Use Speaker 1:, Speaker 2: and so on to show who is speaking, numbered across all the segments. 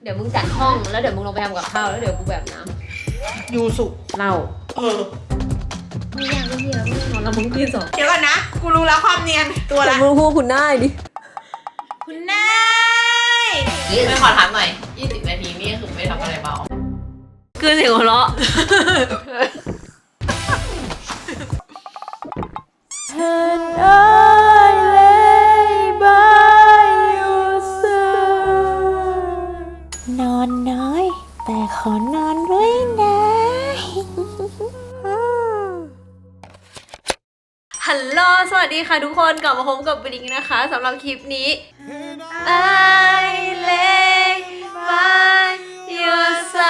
Speaker 1: เดี๋ยวมึงจัดห้องแล้วเดี๋ยวมึงลงไปทำกับข้าวแล้วเดี๋ยวกูแบบน้ำ
Speaker 2: ยูสุ
Speaker 1: เหล้า
Speaker 2: ไม่
Speaker 1: ยากไม่เหี้ยไม่นอนแล้วมึงตีสอง
Speaker 2: เดี๋ยวก่อนนะกูรู้แล้วความเนียนตัวละ
Speaker 1: มึงพูดคุณนายดิ
Speaker 2: คุณนาย
Speaker 3: ไม่ขอถามหน่อย20 นาทีนี่คือไม่ทำอะไรเบา
Speaker 1: คือเสียงหัวเราะ
Speaker 4: นอนน้อยแต่ขอนอนด้วยนะ
Speaker 1: ฮัลโหลสวัสดีค่ะทุกคนกลับมาพบกับบิงนะคะสำหรับคลิปนี้ I lay by your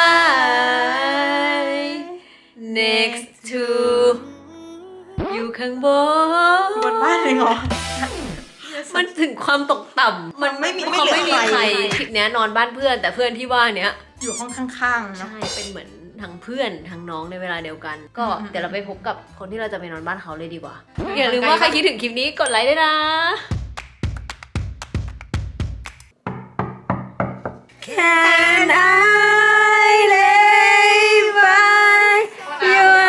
Speaker 1: side next to อยู่ข้าง
Speaker 2: บนบ้านเลยเหรอ
Speaker 1: มันถึงความตกต่ำมันไม่มีใครคลิปนี้นอนบ้านเพื่อนแต่เพื่อนที่ว่าเนี้ย
Speaker 2: อยู่ห้องข้างๆนะ
Speaker 1: ใช่เป็นเหมือนทั้งเพื่อนทั้งน้องในเวลาเดียวกันก็เดี๋ยวเราไปพบกับคนที่เราจะไปนอนบ้านเขาเลยดีกว่าอย่าลืมว่าใครคิดถึงคลิปนี้กดไลค์ด้วยนะ Can I lay by your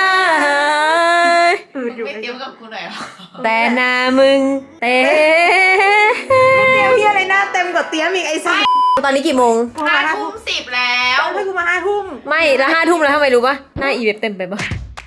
Speaker 1: side
Speaker 3: ไม่เตรียมกับกูหน่อยหรอ
Speaker 1: แต่หน้ามึงเต้
Speaker 2: เตี้ยพี่อะไรหน้าเต็มกว่าเตี้ยอีกไอ้สัส
Speaker 1: ตอนนี้กี่โมง
Speaker 3: 5:10แล้ว
Speaker 2: ให้กูมา5 ทุ่ม
Speaker 1: ไม่ละ5 ทุ่มแล้วทำไมรู้ปะหน้าอีเว็บเต็มไปปะ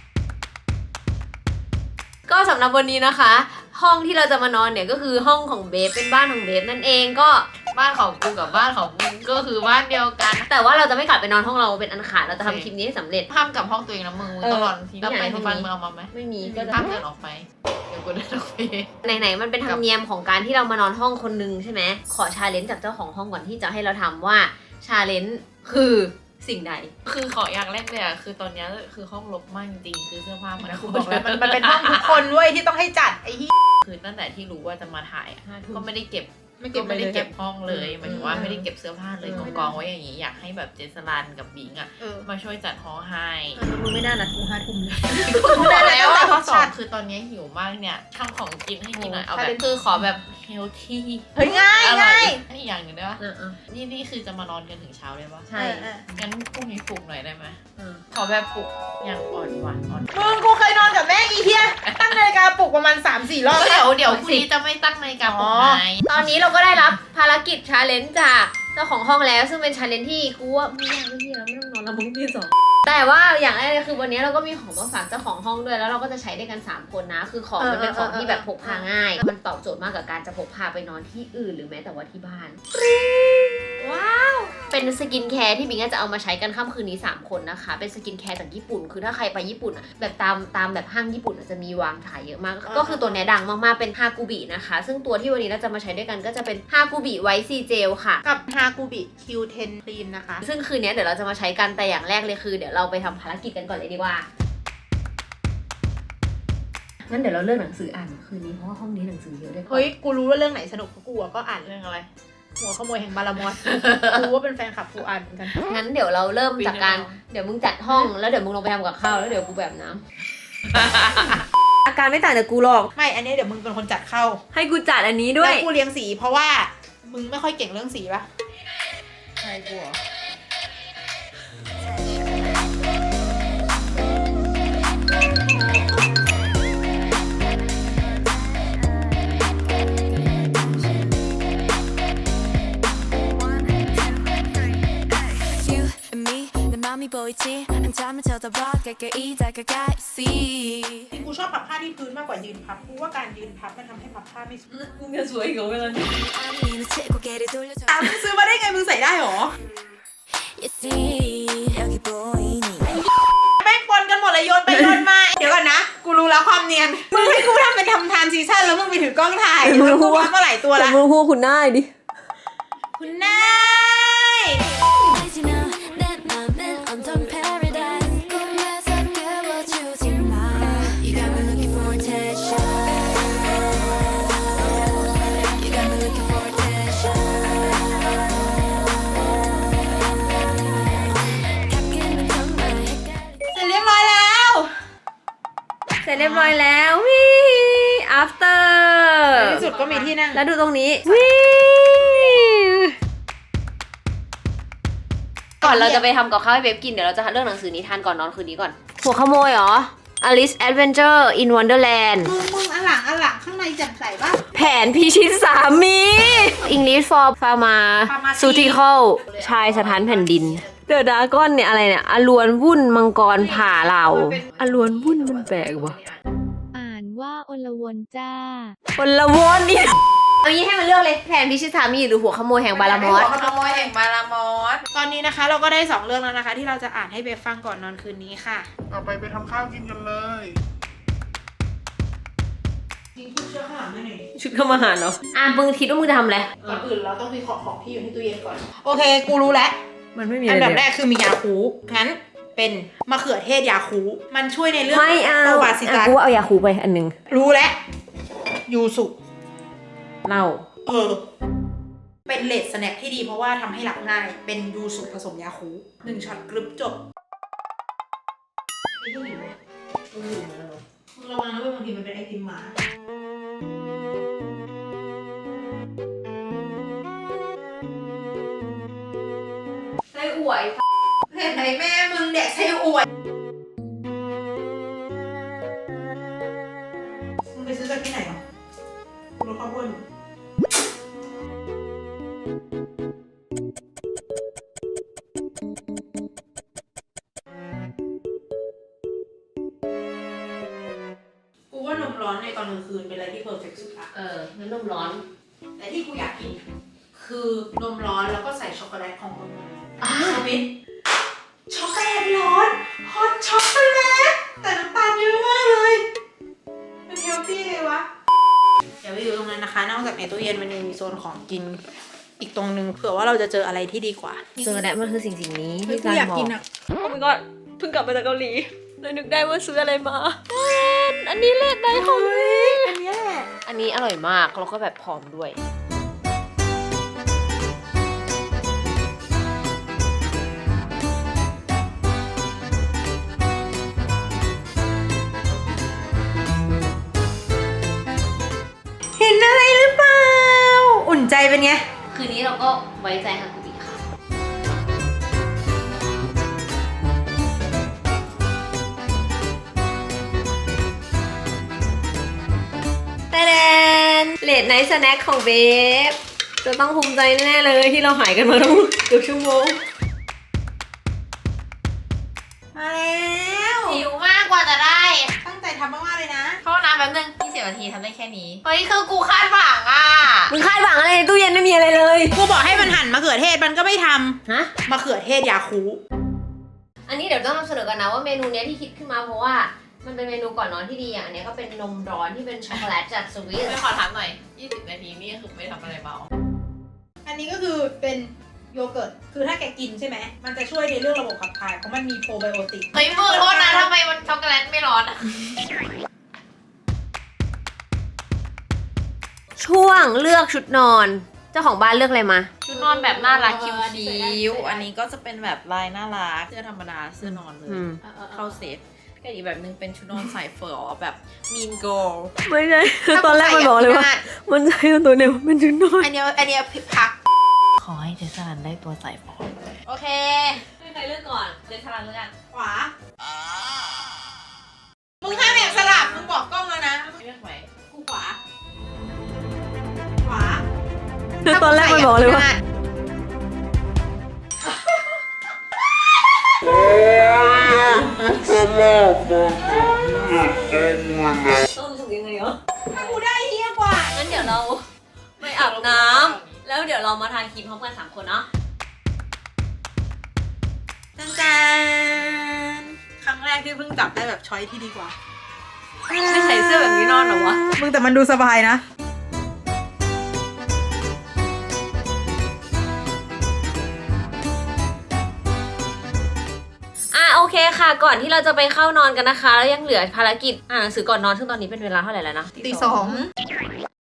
Speaker 1: ก็สำหรับวันนี้นะคะ ห้องที่เราจะมานอนเนี่ยก็คือห้องของเบฟเป็นบ้านของเบฟนั่นเองก็
Speaker 3: บ้านของกูกับบ้านของมึงก็คือบ้านเดียวกัน
Speaker 1: แต่ว่าเราจะไม่กลับไปนอนห้องเราเป็นอันขาดเราจะทำคลิปนี้ให้สำเร็จ
Speaker 3: ห้ามกับห้องตัวเองนะมึงต้องนอนที่ไหนที่บ้านมึงเอามาไหม
Speaker 1: ไม่มีก็
Speaker 3: ห้ามเดินออกไปเดี๋ยวกูเดินออกไป
Speaker 1: ไหนๆมันเป็นธรรมเนียมของการที่เรามานอนห้องคนนึงใช่ไหมขอชาเลนจ์จากเจ้าของห้องก่อนที่จะให้เราทำว่าชาเลนจ์คือสิ่งใด
Speaker 3: คือขออย่างแรกเลยอะคือตอนนี้คือห้องรกมากจริงคือเสื้อผ้ามัน
Speaker 2: กูบอกแล้วมันเป็นห้องทุกคนด้วยที่ต้องให้จัดไอ้ที่
Speaker 3: คือตั้งแต่ที่รู้ว่าจะมาถ่ายก็ไม่ได้เก็บห้องเลยหมายถึงว่าไม่ได้เก็บเสื้อผ้าเลยกองไว้อย่างนี้อยากให้แบบเจสลันกับบิงอะมาช่วยจัดห้องให้
Speaker 1: มึงไม่น่านัดกู5 ทุ่มเลย
Speaker 3: แล้วข้อ2คือตอนนี้หิวมากเนี่ยทำของกินให้กินหน่อยเอาแบบคือขอแบบเฮลที่
Speaker 2: เฮ้ยง่าย
Speaker 3: นี่อย่างหนึ่งได้ปะนี่คือจะมานอนกันถึงเช้าเลยปะ
Speaker 1: ใช่
Speaker 3: งั้นพรุ่งนี้ปลุกหน่อยได้ไหมขอแบบปลุกอย่างอ่อนหวาน
Speaker 2: มึงกูเคยนอนกับแม่อีเทียตั้งนาฬิกาปลุกประมาณ 3-4 รอบ
Speaker 3: เดี๋ยวพรุ่งนี้จะไม่ตั้งนาฬิกาปลุกไง
Speaker 1: ตอนนี้เราก็ได้รับภารกิจชาเลนจ์จากเจ้าของห้องแล้วซึ่งเป็นชาเลนจ์ที่กูว่าไม่ยากไม่เหี้ยไม่ต้องนอนแล้วมึงที่2แต่ว่าอย่างแรกคือวันนี้เราก็มีของมาฝากเจ้าของห้องด้วยแล้วเราก็จะใช้ได้กัน3 คนนะคือของมันเป็นของที่แบบพกพาง่ายมันตอบโจทย์มากกับการจะพกพาไปนอนที่อื่นหรือแม้แต่ว่าที่บ้านว้าวเป็นสกินแคร์ที่บิงจะเอามาใช้กันค่ำคืนนี้3 คนนะคะเป็นสกินแคร์จากญี่ปุ่นคือถ้าใครไปญี่ปุ่นแบบตามแบบห้างญี่ปุ่นจะมีวางขายเยอะมากก็คือตัวนี้ดังมากๆเป็นฮากูบินะคะซึ่งตัวที่วันนี้เราจะมาใช้ด้วยกันก็จะเป็นฮากูบิไวท์ซีเจลค่ะ
Speaker 2: กับฮากูบิคิวเทนครีมนะคะ
Speaker 1: ซึ่งคืนนี้เดี๋ยวเราจะมาใช้กันแต่อย่างแรกเลยคือเดี๋ยวเราไปทำภารกิจกันก่อนเลยดีกว่างั้นเดี๋ยวเราเลือกหนังสืออ่านคืนนี้เพราะว่าห้องนี้หนังสือเยอะด้วย
Speaker 2: เฮ้ยกูรู้ว่าเรื่องไหนสนุกเพราะกูก็อ่านเรื่องอะไรหัวขโมยแห่งบารามอสกูว่าเป็นแฟนคลับกูอ่านเหมือนกัน
Speaker 1: งั้นเดี๋ยวเราเริ่มจากการเดี๋ยวมึงจัดห้องแล้วเดี๋ยวมึงลงไปทำกับข้าวแล้วเดี๋ยวกูแบบน้ำอาการไม่ต่างจากกูหรอก
Speaker 2: ไม่อันนี้เดี๋ยวมึงเป็นคนจัดเข้า
Speaker 1: ให้กูจัดอันนี้ด้วย
Speaker 2: แล้วกูเลี้ยงสีเพราะว่ามึงไม่ค่อยเก่งเรื่องสีป่ะ
Speaker 3: ใช่กู
Speaker 2: กูชอบพับผ้าที่พื้นมากกว่ายืนพับกูว่าการยืนพับมันทำให้พับผ้าไม่สวย
Speaker 1: มึงจะสวยอีกเหรอเวลานี้
Speaker 2: มึงซื้อมาได้ไงมึงใส่ได้หรอแม่งปนกันหมดเลยโยนไปโยนมาเดี๋ยวก่อนนะกูรู้แล้วความเนียนมึงให้กูทำเป็นทำทานซีซั่นแล้วมึงไปถือกล้องถ่ายมึงพูดว่าเมื่อไหร่ตัวละ
Speaker 1: มึงพูดคุณนายดิ
Speaker 2: คุณนาย
Speaker 1: เสร็จเรียบร้อยแล้ววิ after
Speaker 2: ในที่สุดก็มีที่นั่ง
Speaker 1: แล้วดูตรงนี้วิก่อนเราจะไปทำกับข้าวให้เบฟกินเดี๋ยวเราจะเลือกหนังสือนิทานก่อนนอนคืนนี้ก่อนหัวขโมยเหรอ Alice Adventure in Wonderland
Speaker 2: มึงอันหลังข้างในแจ่มใสป่ะ
Speaker 1: แผนพิชิตสามี English for Pharmaceutical ชายสถานแผ่นดินเดอะดากอนเนี่ยอะไรเนี่ยอลวนวุ่นมังกรผ่าเหล่าอลวนวุ่นมันแปลกวะ
Speaker 4: อ่านว่าอลวนจ้า
Speaker 1: คนละวนนี่เอางี้ให้มันเลือกเลยแผนพิชิตสามีหรือหัวขโมยแห่งบารามอส
Speaker 3: หัวขโมยแห่งบารามอส
Speaker 2: ตอนนี้นะคะเราก็ได้2เรื่องแล้วนะคะ ที่เราจะอ่านให้เบฟฟังก่อนนอนคืนนี้ค่ะ
Speaker 5: ต่อไปทำข้าวกินกันเลย
Speaker 2: จริงคุณเชื่อข้างหลังด้วยหน่อย
Speaker 1: ชุดเข้ามาหาเหรอมึงคิดว่ามึงจะทำอะไร
Speaker 2: ก่อนอื่นเราต้องวิเคราะห์ของที่อยู่ในตู้เย็นก่อน โอเค กูรู้แล้ว
Speaker 1: มันไม่มี
Speaker 2: อั
Speaker 1: อะไร
Speaker 2: นดับ
Speaker 1: เลย
Speaker 2: แรกคือมียาคูงั้นเป็นมะเขือเทศยาคูมันช่วยในเรื่อง
Speaker 1: ไม่เอา
Speaker 2: ประวัติศาสต
Speaker 1: กู
Speaker 2: ร์
Speaker 1: ว่าเอายาคูไปอันหนึง
Speaker 2: รู้แล้วยูสุ
Speaker 1: เหล้า
Speaker 2: เป็นเลดสแน็คที่ดีเพราะว่าทำให้หลับง่าย เป็นยูสุผสมยาคู1ช็อตกรึบจบระวังนะเว้ยบางทีมันเป็นไอติมหมา
Speaker 1: ไส้อั่ว
Speaker 2: เห็นไหมแม่มึงเด็กไส้อวดมึงไปซื้อจากที่ไหนอ่ะกูรู้ข้าวโพดอยู่กูว่านมร้อนในตอนกลางคืนเป็นอะไรที่เพอร์เฟกต์สุดละ
Speaker 1: น้ำนมร้อน
Speaker 2: แต่ที่กูอยากกิน คือนมร้อนแล้วก็ใส่ช็อกโกแลตของคนนึงสวิตช็อกโกแลตร้อนฮอตช็อกโกแลตแต่น้ำตาลเยอะมากเลยเป็นเฮลตี้เลยวะเดี๋ยวไปดูตรงนั้นนะคะ นอกจากในตู้เย็นมันยังมีโซนของกินอีกตรงนึงเผื่อว่าเราจะเจออะไรที่ดีกว่า
Speaker 1: เจอแล้วมันคือสิ่งนี้
Speaker 2: เฮ้ย
Speaker 1: ที่
Speaker 2: กู
Speaker 1: การ
Speaker 2: อยาก
Speaker 1: บอก
Speaker 2: กินอ่ะ
Speaker 1: โอ้ my god เพิ่งกลับมาจากเกาหลีเลยนึกได้ว่าซื้ออะไรมาอันนี้เลดได้ของ
Speaker 2: อันนี้แหละ
Speaker 1: อันนี้อร่อยมากแล้วก็แบบผอมด้วย
Speaker 2: เห็นอะไรหรือเปล่าอุ่นใจเป็นไง
Speaker 1: คืนนี้เราก็ไว้ใจฮากุบิค่ะแต่เลดไนท์สแน็คของเบฟจะต้องภูมิใจแน่ๆเลยที่เราหายกันมาตั้งเกือบชั่วโมง
Speaker 2: มาแล้ว
Speaker 3: หิวมากกว่าจะได้
Speaker 2: ตั้งใจทำมากๆเลยนะ
Speaker 3: เข้าน้ำแป๊บนึง20 นาทีทำได้แค่นี้ เฮ้ย คือกูคาดหวังอ่ะ
Speaker 1: มึงคาดหวังอะไรในตู้เย็นไม่มีอะไรเลย
Speaker 2: กูบอกให้มันหั่นมะเขือเทศมันก็ไม่ท
Speaker 1: ฮะ
Speaker 2: ำมะเขือเทศยาคู
Speaker 1: อันนี้เดี๋ยวต้องนำเสนอกันนะว่าเมนูเนี้ยที่คิดขึ้นมาเพราะว่ามันเป็นเมนูก่อนนอนที่ดีอย่างอันเนี้ยก็เป็นนมร้อนที่เป็นช็อกโกแลตจากสวิส
Speaker 3: ไม่ขอถามหน่อย 20 นาทีนี่คือไม่ทำอะไรเบา
Speaker 2: อันนี้ก็คือเป็นโยเกิร์ต คือถ้าแกกินใช่ไหม มันจะช่วยในเรื่องระบบขับถ่าย เพราะมันมีโปรไบโอติก
Speaker 3: เฮ้ยมือโทษนะทำไมมันช็อกโกแลตไม่ร้อนอ่ะ
Speaker 1: ช่วงเลือกชุดนอน เจ้าของบ้านเลือกอะไรมา
Speaker 3: ชุดนอนแบบน่ารักคิ้วๆอันนี้ก็จะเป็นแบบลายน่ารัก เสื้อธรรมดา เสื้อนอนเลย เข้าเซตก็อีกแบบนึงเป็นชุดนอนสายเฟอร์แบบ mean girl
Speaker 1: ไม่ใช่ตอนแรกมันบอกเลยว่า มันใช่ตัวเดียวเป็นชุดนอน
Speaker 2: อันเนี้ยพัก
Speaker 3: ขอให้เจสันได้ตัวสายฟอโอเคให้ใครเลือกก่อนเจสันเลือกกัน
Speaker 2: ขวา มึงห้ามแอบสลับ มึงบอกกล้องแล้วนะ
Speaker 3: เลือกไหม
Speaker 2: กูขวา ขวา
Speaker 1: ตอนแรกมันบอกเลยว่า ต้องรู้สึกยังไงเหรอ
Speaker 2: ถ้ากูได้เฮี้ยกว่า
Speaker 1: งั้นเดี๋ยวเราไปอาบน้ำแล้วเดี๋ยวเรามาทานครีมพร้อมกัน3 คนเนาะ
Speaker 2: จาน ครั้งแรกที่เพิ่งจับได้แบบช้อยที่ดีกว่า
Speaker 1: ไม่ใส่เสื้อแบบนี้นอนเหรอวะ
Speaker 2: มึงแต่มันดูสบายนะ
Speaker 1: โอเคค่ะ ก่อนที่เราจะไปเข้านอนกันนะคะ แล้วยังเหลือภารกิจอ่านหนังสือก่อนนอนซึ่งตอนนี้เป็นเวลาเท่าไหร่แล้วนะ
Speaker 2: ตี 2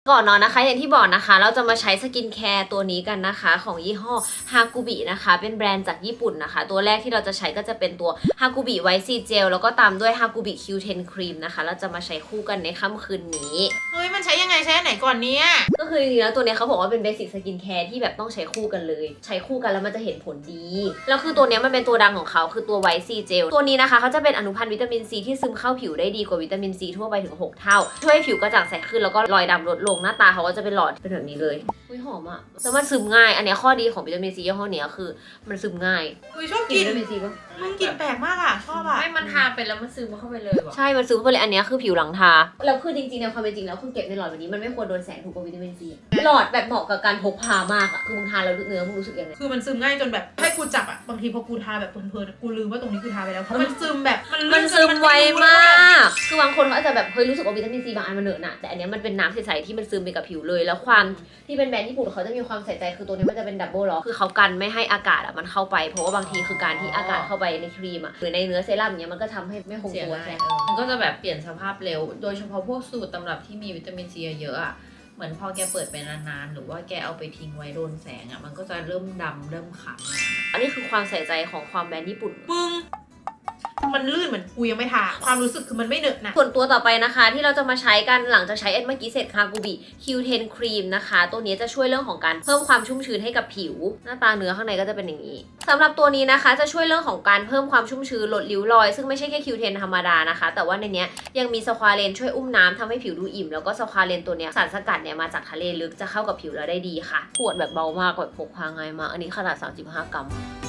Speaker 1: ก่อนนอนนะคะอย่างที่บอกนะคะเราจะมาใช้สกินแคร์ตัวนี้กันนะคะของยี่ห้อฮากุบินะคะเป็นแบรนด์จากญี่ปุ่นนะคะตัวแรกที่เราจะใช้ก็จะเป็นตัวฮากุบิไวท์ซีเจลแล้วก็ตามด้วยฮากุบิ Q10 ครีมนะคะเราจะมาใช้คู่กันในค่ำคืนนี้
Speaker 2: เฮ้ยมันใช้ยังไงใช้อันไหนก่อนเนี่ย
Speaker 1: ก็คือจริงๆแล้วตัวเนี้ยเขาบอกว่าเป็นเบสิกสกินแคร์ที่แบบต้องใช้คู่กันเลยใช้คู่กันแล้วมันจะเห็นผลดีแล้วคือตัวเนี้ยมันเป็นตัวดังของเขาคือตัวไวท์ซีเจลตัวนี้นะคะเขาจะเป็นอนุพันธ์วิตามินซีที่ซึมเข้าผิวได้ดีกว่าวิตามินซีทั่วไปถึง6เท่าช่วยให้ผิวกระจ่างใสขึ้นแล้วก็รอยดำลดลงหน้าตาเขาก็จะเป็นหลอดเป็นแบบนี้เลยอุ้ยหอมอ่ะแล้วมันซึมง่ายอันเนี้ยข้อดีของวิตามินซียี่ห้อเนี้ยคือมันซึมง่าย
Speaker 2: อุ้ยชอบ
Speaker 1: กิ
Speaker 2: กิ
Speaker 1: น
Speaker 2: น
Speaker 1: วิตามินซีปะ
Speaker 2: มันกลินแปลกมากอ่ะชอบอ่ะ
Speaker 3: ไม่มันทาไปแล้วมันซึมเข้าไปเลยว่ะ
Speaker 1: ใช่มันซึมเข้าไปเลยอันเนี้ยคือผิวหลังทาแล้วคือจริงๆในความเป็นจริงแล้วคือเก็บในหลอดแบบนี้มันไม่ควรโดนแสงถูกกว่าวิตามินซีหลอดแบบเหมาะกับการพกพามากอ่ะคือมึงทาแล้วเนื้อมึงรู้สึกยังไง
Speaker 2: คือมันซึมง่ายจนแบบให้กูจับอ่ะบางทีพอกูทาแบบเพลินๆกูลืมว่าตรงนี้กูทาไปแล้วเพราะมันซึมแบบมัน
Speaker 1: มัน
Speaker 2: ลึกจ
Speaker 1: ซึมไว
Speaker 2: รู้
Speaker 1: มา
Speaker 2: เลย
Speaker 1: ก คือบางคนเขาอาจจะแบบเฮ้ยรู้สึกว่าวิตามินซีบางอันมันเหนอะหนะแต่อันเนี้ยมันเป็นน้ำใสๆที่มันซึมไปกับผิวเลย แล้วความที่เป็นแบรนด์ญี่ปุ่นเขาจะมีความใส่ใจคือตัวนี้มันจะเป็นดับเบิลล็อกคือเขากันไม่ให้อากาศอ่ะมันเข้าไปเพราะว่าบางทีคือการที่อากาศเข้าไปในครีมอ่ะหรือในเนื้อเซรั่มเนี้ยมันก็ทำให้ไม่คง
Speaker 3: เสีย
Speaker 1: ตัว
Speaker 3: ง่าย
Speaker 1: ใช่
Speaker 3: มันก็จะแบบเปลี่ยนสภาพเร็ว โดยเฉพาะพวกสูตรตำรับที่มีวิตามินซีเยอะๆอ่ะ เหมือนพอแกเปิดไปนานๆ หรือว่าแกเอาไปทิ้งไว้โดนแสงอ่ะ มันก็จะเริ่มดำเริ่มขาว
Speaker 1: อันนี้คือความใส่ใจของความแบรนด์ญี่ปุ่น
Speaker 2: มึงมันลื่นเหมือนกูยังไม่ทาความรู้สึกคือมันไม่เหนอะหนะ
Speaker 1: ส่วนตัวต่อไปนะคะที่เราจะมาใช้กันหลังจากใช้เมื่อกี้เสร็จคากูบิ Q10 ครีมนะคะตัวนี้จะช่วยเรื่องของการเพิ่มความชุ่มชื้นให้กับผิว หน้าตาเนื้อข้างในก็จะเป็นอย่างนี้สำหรับตัวนี้นะคะจะช่วยเรื่องของการเพิ่มความชุ่มชื้นลดริ้วรอยซึ่งไม่ใช่แค่ Q10 ธรรมดานะคะแต่ว่าในเนี้ยยังมีสควาเลนช่วยอุ้มน้ำทำให้ผิวดูอิ่มแล้วก็สควาเลนตัวเนี้ยสารสกัดเนี่ยมาจากทะเลลึกจะเข้ากับผิวเราได้ดีค่ะขวดแบบเบามากแบบพกพาง่ายมากอันนี้ขนาด35 กรัม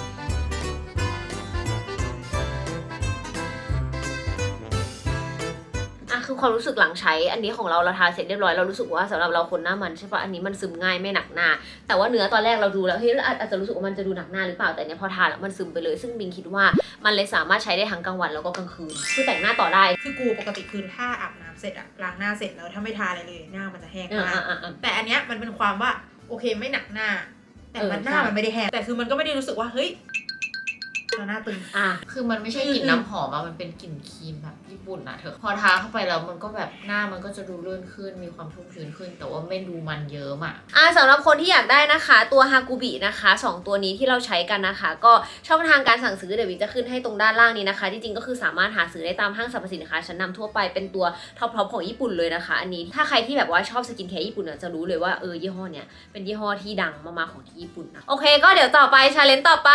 Speaker 1: คือความรู้สึกหลังใช้อันนี้ของเราทาเสร็จเรียบร้อยเรารู้สึกว่าสำหรับเราคนหน้ามันใช่ปะอันนี้มันซึมง่ายไม่หนักหน้าแต่ว่าเนื้อตอนแรกเราดูแล้วเฮ้ยอาจจะรู้สึกว่ามันจะดูหนักหน้าหรือเปล่าแต่เนี้ยพอทาแล้วมันซึมไปเลยซึ่งบิงคิดว่ามันเลยสามารถใช้ได้ทั้งกลางวันแล้วก็กลางคืนคือแต่งหน้าต่อได้
Speaker 2: คือกูปกติคือถ้าอาบน้ำเสร็จอะล้างหน้าเสร็จแล้วถ้าไม่ทาอะไรเลยหน้ามันจะแห้งมากแต่อันเนี้ยมันเป็นความว่าโอเคไม่หนักหน้า แต่มันหน้ามันไม่ได้แห้งแต่คือมันก็ไม่ได้รู้สึกว่าเฮ้ยหน้าตึง
Speaker 3: คือมันไม่ใช่กลิ่นน้ำหอมอะมันเป็นกลิ่นครีมแบบญี่ปุ่นนะเธอ พอทาเข้าไปแล้วมันก็แบบหน้ามันก็จะดูเลื่อนขึ้น มีความชุ่มชื้นขึ้น แต่ว่าไม่ดูมันเยิ้มอะ
Speaker 1: สำหรับคนที่อยากได้นะคะตัวฮากุบินะคะ2ตัวนี้ที่เราใช้กันนะคะก็ช่องทางการสั่งซื้อเดี๋ยววิจะขึ้นให้ตรงด้านล่างนี้นะคะที่จริงก็คือสามารถหาซื้อได้ตามห้างสรรพสินค้าชั้นนำทั่วไปเป็นตัวท็อปของญี่ปุ่นเลยนะคะอันนี้ถ้าใครที่แบบว่าชอบสกินแคร์ญี่ปุ่นเนี่ยจะรู้เลยว่ายี่ห้อเนี้ยเป็นยี่ห้อที่ดังมากๆของที่ญี่ปุ่นนะโอเคก็เดี๋ยวต่อไปชาเลนจ์ต่อไป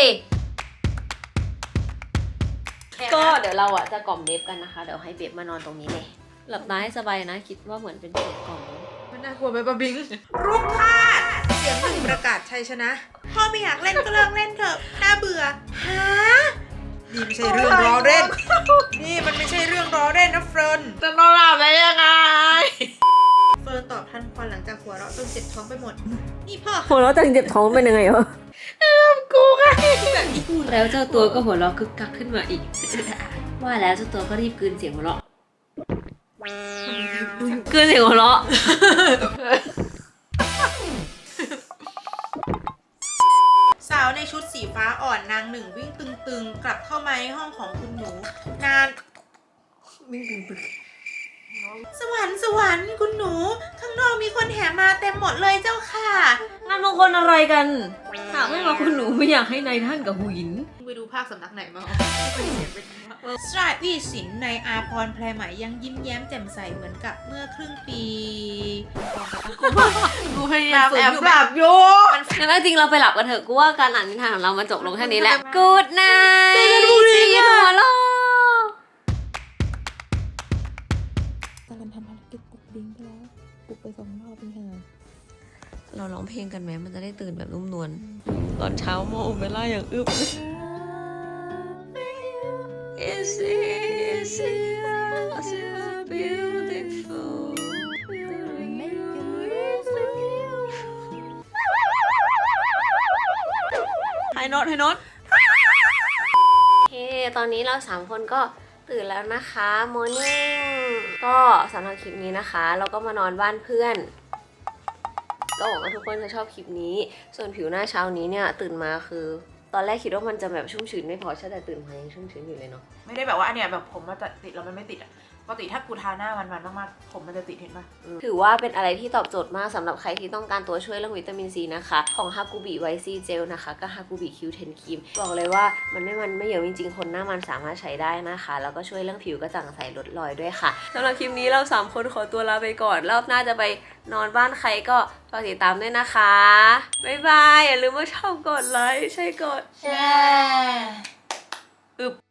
Speaker 1: ก็เดี๋ยวเราอ่ะจะกล่อมเดฟกันนะคะเดี๋ยวให้เบฟมานอนตรงนี้เลยหลับตาให้สบายนะคิดว่าเหมือนเป็นเสียงกล่อม
Speaker 2: มันน่ากลัวไหมปะบิงรูปพาดเสียงหนึ่งประกาศชัยชนะพ่อไม่อยากเล่นก็เลิกเล่นเถอะน่าเบื่อฮะนี่ไม่ใช่เรื่องล้อเล่นนี่มันไม่ใช่เรื่องล้อเล่นนะเฟิร์น
Speaker 3: จะนอนหลับได้ยังไง
Speaker 2: เฟิร์นตอบทันควันหลังจากหัวเราะจนเจ็บท้องไปหมดนี่พ่อ
Speaker 1: หัวเราะจังเจ็บท้องเป็นยังไงวะ
Speaker 2: กูไงแบบนี้กู
Speaker 1: แล้วเจ้าตัวก็หัวเราะคึกคักขึ้นมาอีก ว่าแล้วเจ้าตัวก็รีบกลืนเสียงหัวเราะกลืนเสียงหัวเราะ
Speaker 2: สาวในชุดสีฟ้าอ่อนนางหนึ่งวิ่งตึงๆกลับเข้ามาในห้องของคุณหนูนานวิ่งตึงๆสวรรค์คุณหนูข้างนอกมีคนแห่มาเต็มหมดเลยเจ้าค่ะ
Speaker 1: งานมงคลอะไรกันหากไม่มาคุณหนูไม่อยากให้นายท่านกับหูหิน
Speaker 2: ไปดูภาคสำนักไหนมาสตราดวีสินในอาพรแพรไหมยังยิ้มแย้มแจ่มใสเหมือนกับเมื่อครึ่งปี
Speaker 3: กูพยายามแอบหลับอยู่
Speaker 1: งั้นจริงเราไปหลับกันเถอะกูว่าการอ่านนิทานของเรามันจบลงแค่นี้แหละ Good night
Speaker 2: เจอกันพรุ่งนี้
Speaker 1: หัวเราะ
Speaker 4: ตอนทำภารกิจปลุกบิงไปแล้วปลุกไป2 รอบนี่ค่ะ
Speaker 1: เราร้องเพลงกันไหมมันจะได้ตื่นแบบนุ่มนวลตอนเช้าโมโอเปร่าอย่างอึบ Is it beautiful ให้โน้ตโอเคตอนนี้เรา3คนก็ตื่นแล้วนะคะ Morning ก็สำหรับคลิปนี้นะคะ เราก็มานอนบ้านเพื่อนก็หวังว่าทุกคนจะชอบคลิปนี้ส่วนผิวหน้าเช้านี้เนี่ยตื่นมาคือตอนแรกคิดว่ามันจะแบบชุ่มชื้นไม่พอใช่แต่ตื่นมายังชุ่มชื้นอยู่เลยเนาะ
Speaker 2: ไม่ได้แบบว่าอันเนี้ยแบบผมมาจะติดแล้วมันไม่ติดอ่ะปกติถ้ากูทาหน้ามันมากๆผมมันจะติดเห็นปะ
Speaker 1: ถือว่าเป็นอะไรที่ตอบโจทย์มากสำหรับใครที่ต้องการตัวช่วยเรื่องวิตามินซีนะคะของฮากูบิไวซีเจลนะคะก็ฮากูบิคิวเทนครีมบอกเลยว่ามันไม่เยอะจริงๆคนหน้ามันสามารถใช้ได้นะคะแล้วก็ช่วยเรื่องผิวกระจ่างใสลดรอยด้วยค่ะสำหรับคลิปนี้เรา3คนขอตัวลาไปก่อนรอบหน้าจะไปนอนบ้านใครก็ฝากติดตามด้วยนะคะบ๊ายบายอย่าลืมว่าชอบกดไลค์ใช่กด
Speaker 4: แชร์